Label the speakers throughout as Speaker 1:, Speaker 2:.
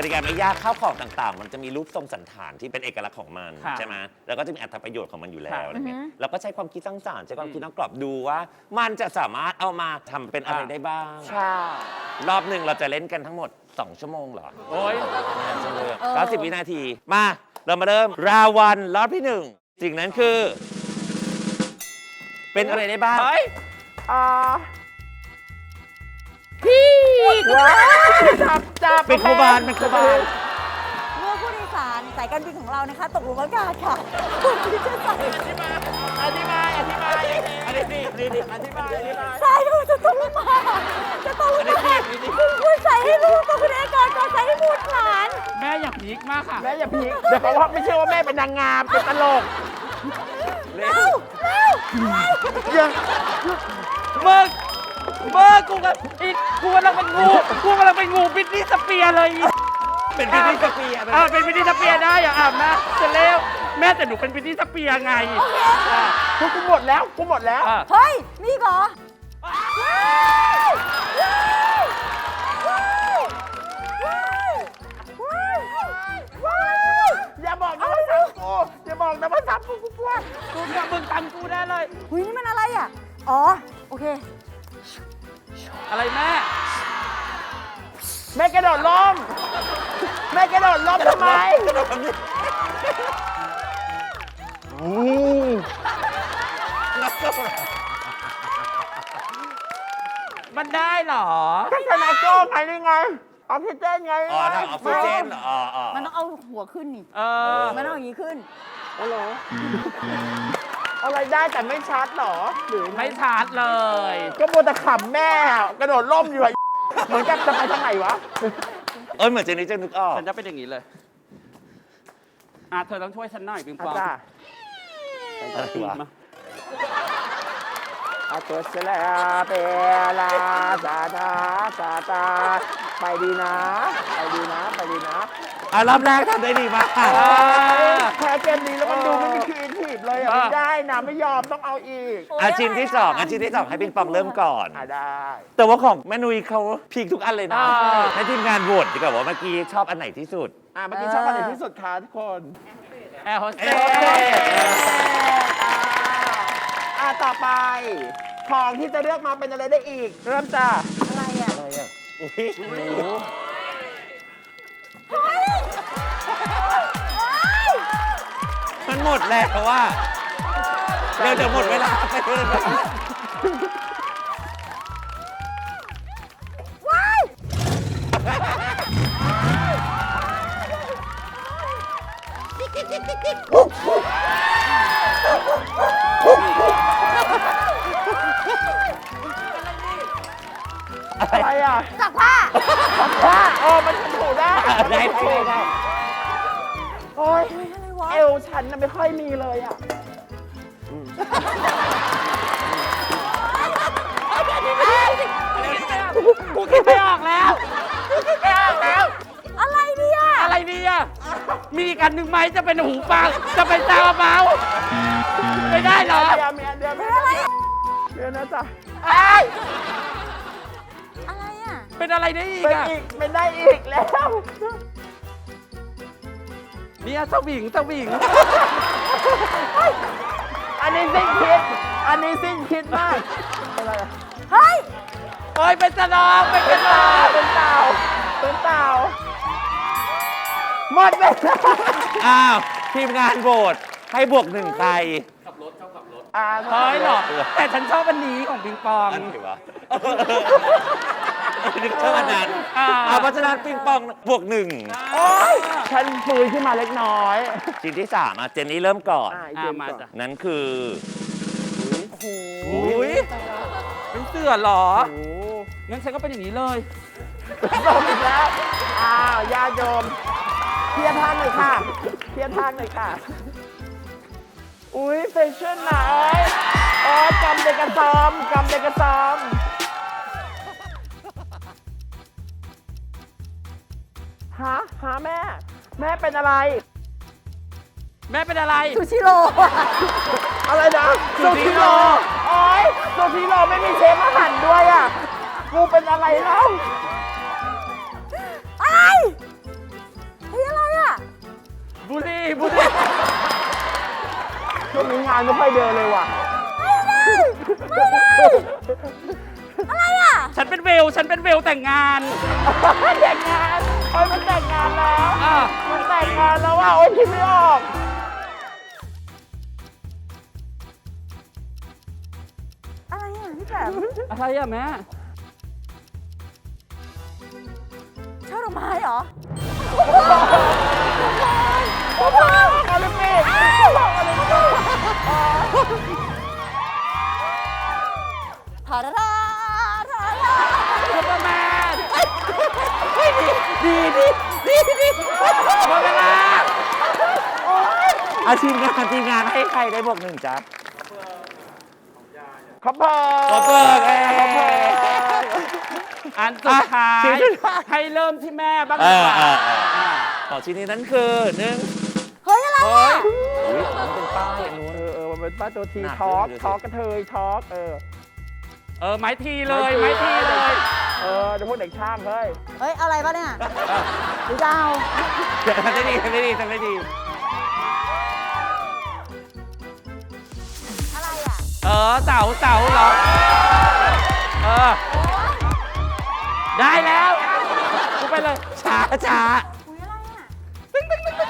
Speaker 1: ติกาไม่ยากข้าวของต่างๆ มันจะมีรูปทรงสันฐานที่เป็นเอกลักษณ์ของมันใช่ไหมแล้วก็จะมีอรรถประโยชน์ของมันอยู่แล้วอะไรเงี้ยเราก็ใช้ความคิดสร้างสรรค์ใช้ความคิดนอกกรอบดูว่ามันจะสามารถเอามาทำเป็นอะไรได้บ้าง
Speaker 2: ใช่
Speaker 1: รอบหนึ่งเราจะเล่นกันทั้งหมด2 ชั่วโมงเหรอ
Speaker 3: โอ้ย
Speaker 1: 90 วินาทีมาเรามาเริ่มราวันรอบที่1สิ่งนั้นคือเป็นอะไรได้บ้าง
Speaker 2: พี่ว้าวจับ
Speaker 1: เป็นครูบาลเป็นครูบาล
Speaker 4: เมื่อผู้โดยสารสายการบินของเรานะคะตกหลุมอากาศค่ะคุณที่จะใส่
Speaker 2: อธิบายนี่อธิบาย
Speaker 4: สายลูกจะตกลงมาคุณใส่ให้ลูกกับคุณเอกก่อนใส่ให้บุตรหลาน
Speaker 3: แม่อย่าพีคมากค่ะ
Speaker 2: แม่อย่าพีคเดี๋ยวเขาว่าไม่เชื่อว่าแม่เป็นนางงามเป็นตลก
Speaker 4: เร็ว
Speaker 2: ยัง
Speaker 3: เมื่อกูกำลังเป็นงูบิดนี่สเปียร์เลย
Speaker 1: เป็นบิดนี่สเปียร์
Speaker 3: เป็นบิดนี่สเปียร์ได้อย่าแม่จะเร็วแม่แต่หนูเป็นบิดนี่สเปียร์ไง
Speaker 2: กูหมดแล้ว
Speaker 4: เฮ้ยมีเหรอ
Speaker 2: อย่าบอกนะว่าซ้ำกูอย่าบอกนะว่าซ้ำกูกลัว
Speaker 3: มึงทำกูได้เลย
Speaker 4: หุยนี่มันอะไรอ่ะอ๋อโอเค
Speaker 3: อะไรแม่
Speaker 2: กระโดดล้มทำไม
Speaker 3: มันได้เหรอ
Speaker 2: ก็ชนะโก้ไงนี่ไงออกซิเจนไง
Speaker 1: ทางออกซิเจน
Speaker 4: มันต้องเอาหัวขึ้นนี่มันต้องอย่างนี้ขึ้น
Speaker 2: โอ้โหอะไรได้แต่ไม่ชัดหรอหรือ
Speaker 3: ไม่ชัดเลย
Speaker 2: ก็มัวแต่ขำแม่กระโดดล่มอยู่เหมือนกับจะไปทางไหนวะ
Speaker 1: เหมือนเจนี่จะนึกออก
Speaker 3: ฉันจะเป็นอย่างนี้เลยเธอต้องช่วยฉันหน่อยปิงปอง
Speaker 1: อะไรวะ
Speaker 2: ตัวเสลาเปลาซาตาไปดีนะ
Speaker 1: รอบแรกทำได้ดีมาก
Speaker 2: แพ้เกมนี้แล้วมันดูไม่มีครีเอทีฟเลยไม่ได้นะไม่ยอมต้องเอาอีก
Speaker 1: ชิ้นที่2ให้ปิงปองเริ่มก่อน
Speaker 2: ได้
Speaker 1: แต่ว่าของแม่นุ้ยเขาพีคทุกอันเลยนะให้ทีมงานโหวตดีกว่าว่าเมื่อกี้ชอบอันไหนที่สุด
Speaker 2: เมื่อกี้ชอบอันไหนที่สุดคะทุกคน
Speaker 3: แอร์โฮสเต
Speaker 2: สต่อไปของที่จะเลือกมาเป็นอะไรได้อีกเริ่มจ้า
Speaker 4: อะไรอ่ะ
Speaker 1: มันหมดแล้วว่าเดี๋ยวหมดเวลาไปเลย
Speaker 2: อะไรอ่ะ
Speaker 4: ซักผ้า
Speaker 2: มันถูได้โอ้ยเอวฉันน่ะไม่ค่อยมีเลยอ่ะ
Speaker 3: กูคิดไม่ออกแล้ว
Speaker 4: อะไร
Speaker 3: เนี่ยมีอีกอันหนึ่งไหมจะเป็นหูฟังจะเป็นซาวเบาไม่ได้เหรอ
Speaker 2: เดี๋ยวนะจ๊ะ
Speaker 4: อะไรอ่ะ
Speaker 3: เป็นอะไรได้อีก
Speaker 2: เป็นได้อีกแล้ว
Speaker 3: เนี่ยสวิง
Speaker 2: อันนี้สิ้นคิดมากอะไร
Speaker 4: เฮ้ย
Speaker 3: เป็นสนอเป็นเ
Speaker 2: ต่าหมดเลย
Speaker 1: ทีมงานโหวตให้บวก1ใคร
Speaker 3: ขับรถเฮ้ยหรอแต่ฉันชอบอันนี้ของปิงปอง
Speaker 1: อันไหนวะนึกชอบอันนั้นเพราะฉะนั้นปิงปองบวก1
Speaker 2: โอ๊ยฉันฟื้นขึ้นมาเล็กน้อย
Speaker 1: ชิ้นที่3เจนนี่เริ่มก่อนนั่นคือ
Speaker 3: เป็นเสือหรองั้นฉันก็เป็นอย่างนี้เลย
Speaker 2: ลงอีกแล้วญาติโยมเทียบทางหน่อยค่ะอุ้ยแฟชั่นนะกำเด็กกระซอมหาแม่เป็นอะไร
Speaker 4: ซูชิโร่
Speaker 2: อะไรนะซูชิโร่โอ๊ยซูชิโร่ไม่มีเชฟมาหั่นด้วยอ่ะกูเป็นอะไรเล่า
Speaker 4: อะไร
Speaker 3: บุรีบุรี
Speaker 2: ช่วงนี้งานไม่ค่อยเดินเลยว่ะ
Speaker 4: อะไรอ่ะ
Speaker 3: ฉันเป็นเวลแต่งงาน
Speaker 2: แต่งงานโอ้ยมันแต่งงานแล้ว
Speaker 3: อ่ะ
Speaker 2: มันแต่งงานแล้วว่ะโอ้ยคิดไม่ออก
Speaker 4: อะไรอ่ะพี่แปม
Speaker 3: อะไรอะแม่
Speaker 4: ช่อดอกไม้เหรอ
Speaker 2: โอ้โหโอลิมปิก
Speaker 4: ทาราราทารา
Speaker 3: ซูเปอร์แมนดีหมดเวลา
Speaker 1: อาทีมงานให้ใครได้บวกหนึ่งจ๊ะ
Speaker 2: ขอบคุณ
Speaker 1: ขอบคุณเอ้ย
Speaker 3: อันสุดท้าย
Speaker 1: ชิ้นสุดท้าย
Speaker 3: ให้เริ่มที่แม่บ้างดีกว่า
Speaker 1: ของชิ้นนี้นั้นคือหนึ่ง
Speaker 4: เฮ้ย อะไรอ่ะ
Speaker 1: อุ้ยมันเป็นป้ายอันนู้น
Speaker 2: มันเป็นป้าตัวที
Speaker 1: หนัก
Speaker 2: ท็อก
Speaker 1: เลย
Speaker 2: ท็อกกระเทยท็อก
Speaker 3: ไม้ทีเลยไม้ทีเลย
Speaker 2: เดี๋ยวพวกเด็กช่างเฮ้ย
Speaker 4: เฮ้ย อะไรปะเนี่ยหรือจะเอา
Speaker 1: ทำได้ดี
Speaker 4: อะไรอ่ะ
Speaker 3: เสาเหรอ ได้แล้วกูไปเลย
Speaker 1: ช้า
Speaker 4: อุ้ยอะไรอ่ะ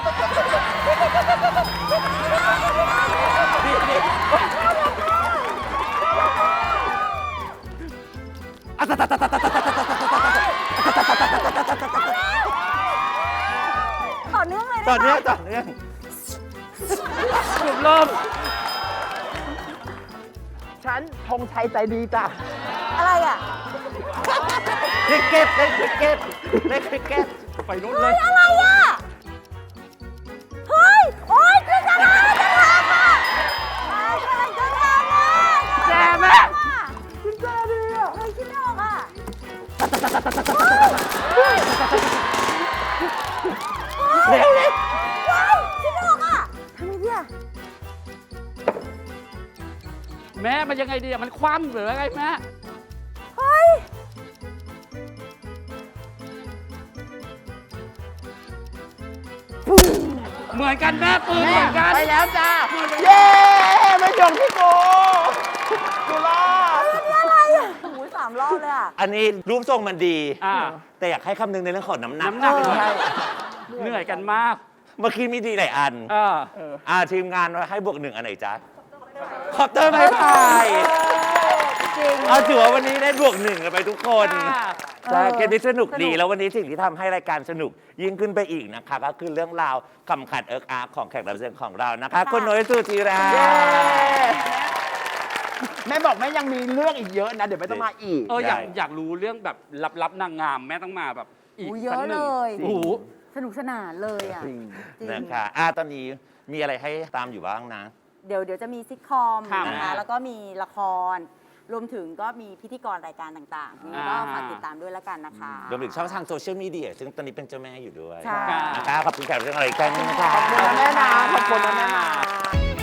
Speaker 4: ต่อเนื่องเลย
Speaker 1: ต่อ
Speaker 4: ได้
Speaker 1: เนื่อง
Speaker 4: ปะ
Speaker 1: ต่อเนื่อง
Speaker 3: จุดเริ่ม
Speaker 2: ฉันธงชัยใจดีจ้ะ
Speaker 4: อะไรอ่ะ
Speaker 1: คริกเก็ตเล่นคริกเก็ต
Speaker 3: ไปนู่นเลย
Speaker 4: อะไรอ่ะ เฮ้ย โอ๊ยคือจะมาจะทำอ่ะกำลังจะทำอ่ะ
Speaker 3: แจ้แม่
Speaker 4: คุณแจดีอ่ะเฮ้ยคิดไม่ออกอ่ะ
Speaker 1: เร็ว
Speaker 4: ว้ายคิดไม่ออกอ่ะทำไงดีอ่ะ
Speaker 3: แม่มันยังไงดีอะมันคว่ำหรือไงแม่
Speaker 4: เฮ้ย
Speaker 3: เหมือนกันแม่ปืนเหมือนกัน
Speaker 2: ไปแล้วจ้า เย้ไม่จบที่กูรอด
Speaker 4: นี่อะไรอ่ะโอ้ย3 รอบเลยอ่ะ
Speaker 1: อันนี้รูปทรงมันดี
Speaker 3: อ่า
Speaker 1: แต่อยากให้คำนึงในเรื่องของน้ำหนัก
Speaker 3: น้ำหนัก
Speaker 2: ใช่
Speaker 3: เหนื่อยกันมาก
Speaker 1: เมื่อกี้มีดีหลายอัน ทีมงานให้บวกหนึ่งอันไหนจ๊ะคอปเตอร์ไม้พาย
Speaker 4: จริง
Speaker 1: ถือว่าวันนี้ได้บวกหนึ่งกันไปทุกคน
Speaker 3: ค่ะ
Speaker 1: ใช่เกมนี้สนุกดี
Speaker 4: สนุก
Speaker 1: แล้ววันนี้สิ่งที่ทำให้รายการสนุกยิ่งขึ้นไปอีกนะคะ ก็คือเรื่องราวคำขัดเอิกอาร์ของแขกรับเชิญของเรานะคะคุณนุ้ยสุจิรา
Speaker 2: เย้แม่บอกแม่ยังมีเรื่องอีกเยอะนะ เดี๋ยวไม่ต้องมาอีก
Speaker 3: อยากรู้เรื่องแบบลับๆนางงามแม่ต้องมาแบบอีก
Speaker 4: โอ้ยเย
Speaker 3: สัก
Speaker 4: อะ
Speaker 3: หนึ่
Speaker 4: เล
Speaker 3: ง
Speaker 4: ย
Speaker 3: โอ้โห
Speaker 4: สนุกสนานเลยอ่ะ
Speaker 2: จริง
Speaker 4: จริง
Speaker 1: นะคะตอนนี้มีอะไรให้ตามอยู่บ้างนะ
Speaker 4: เดี๋ยวจะมีซิทคอม
Speaker 3: ครับ
Speaker 4: นะคะ แล้วก็มีละคร รวมถึงก็มีพิธีกรรายการต่างๆนี่ก็ฝากติดตามด้วยแล้วกันนะคะ
Speaker 1: รวมถึงช่องทางโซเชียลมีเดียซึ่งตอนนี้เป็นเจ้าแม่อยู่ด้วย
Speaker 4: ใช่
Speaker 1: นะคะขอบคุณแขกรับเชิญของเราอีกครั้งหนึงนะคะ
Speaker 2: ขอบคุณนะแม่นะขอบคุณนะแม่นะ